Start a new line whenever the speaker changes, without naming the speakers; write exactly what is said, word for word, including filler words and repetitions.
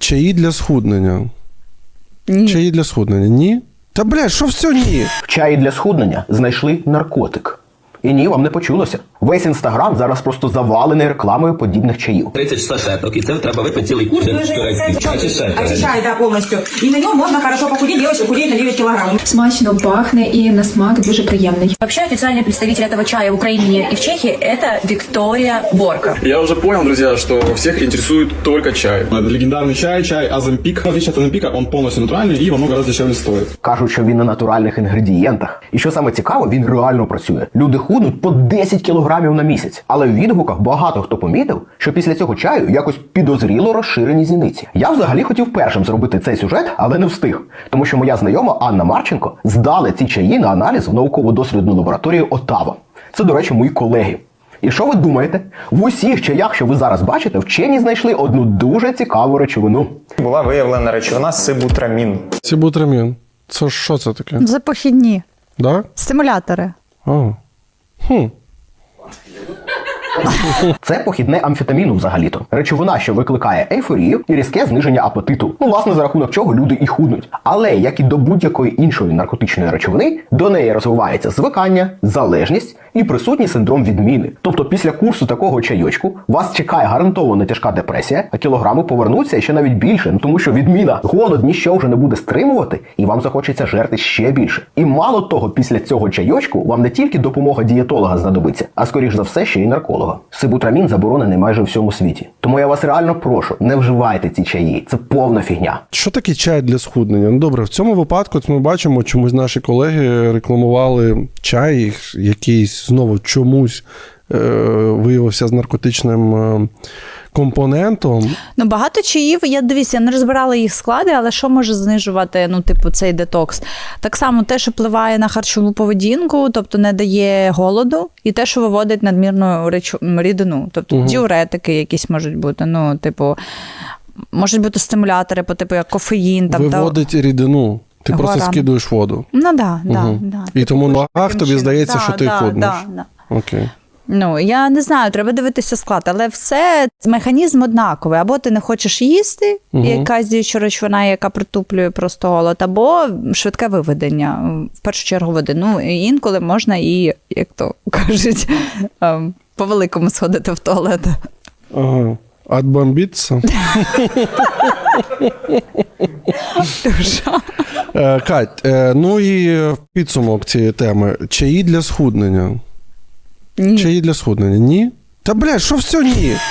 Чаї для схуднення.
Ні.
Чаї для схуднення. Ні? Та, блядь, що все ні?
В чаї для схуднення знайшли наркотик. І ні, вам не почулося. Весь інстаграм зараз просто завалений рекламою подібних чаїв.
тридцять сашеток, і це треба випити цілий курс турецький.
Очищает, да, полностью. И на нем можно хорошо похудеть, девочка худеет на девять килограмм.
Смачно пахне і на смак дуже приємний.
Вообще официальный представитель этого чая в Украине и в Чехии – это Виктория Борка.
Я уже понял, друзья, что всех интересует только чай. Это легендарный чай, чай Азампик. В отличие от Азампика, он полностью натуральный и во много раз дешевле стоит.
Кажуть, що він на натуральних інгредієнтах. І що саме цікаво, він реально працює. Люди худнуть по десять кілограмів на місяць. Але в відгуках багато хто помітив, що після цього чаю якось підозріло розширені зіниці. Я взагалі хотів першим зробити цей сюжет, але не встиг. Тому що моя знайома Анна Марченко здали ці чаї на аналіз в науково-дослідну лабораторію Оттава. Це, до речі, мої колеги. І що ви думаєте? В усіх чаях, що ви зараз бачите, вчені знайшли одну дуже цікаву речовину.
Була виявлена речовина сибутрамін.
Сибутрамін. Це що це таке?
Це похідні.
Да?
Стимулятори.
А. Хм.
Це похідне амфетаміну взагалі-то. Речовина, що викликає ейфорію і різке зниження апетиту. Ну, власне, за рахунок чого люди і худнуть. Але, як і до будь-якої іншої наркотичної речовини, до неї розвивається звикання, залежність і присутній синдром відміни. Тобто після курсу такого чайочку вас чекає гарантовано тяжка депресія, а кілограми повернуться і ще навіть більше. Ну, тому що відміна, голод ніщо вже не буде стримувати, і вам захочеться жерти ще більше. І мало того, після цього чайочку вам не тільки допомога дієтолога знадобиться, а скоріш за все ще й нарколога. Сибутрамін заборонений майже у всьому світі. Тому я вас реально прошу, не вживайте ці чаї. Це повна фігня.
Що таке чай для схуднення? Ну, добре, в цьому випадку ми бачимо, чомусь наші колеги рекламували чай, якийсь знову чомусь е- виявився з наркотичним е- компонентом.
Ну, багато чаїв, я дивіться, я не розбирала їх склади, але що може знижувати, ну, типу, цей детокс? Так само те, що впливає на харчову поведінку, тобто не дає голоду, і те, що виводить надмірну речу, рідину. Тобто угу. діуретики якісь можуть бути, ну, типу, можуть бути стимулятори, по типу, як кофеїн. Там,
виводить та... рідину. Ти Гора. Просто скидуєш воду.
Ну, так, да,
угу.
да, да.
І тому на вагах тобі чином. Здається, да, що ти
да,
худнеш.
Да, да.
Окей.
Ну, я не знаю, треба дивитися склад, але все, механізм однаковий. Або ти не хочеш їсти, угу. якась діюча речовина, яка притуплює просто голод, або швидке виведення, в першу чергу води. Ну, інколи можна і, як то кажуть, по-великому сходити в туалет.
Ага. Отбомбитися? Кать, ну і підсумок цієї теми. Чаї для схуднення.
Ні.
Чаї для схуднення. Ні? Та, блядь, що все ні?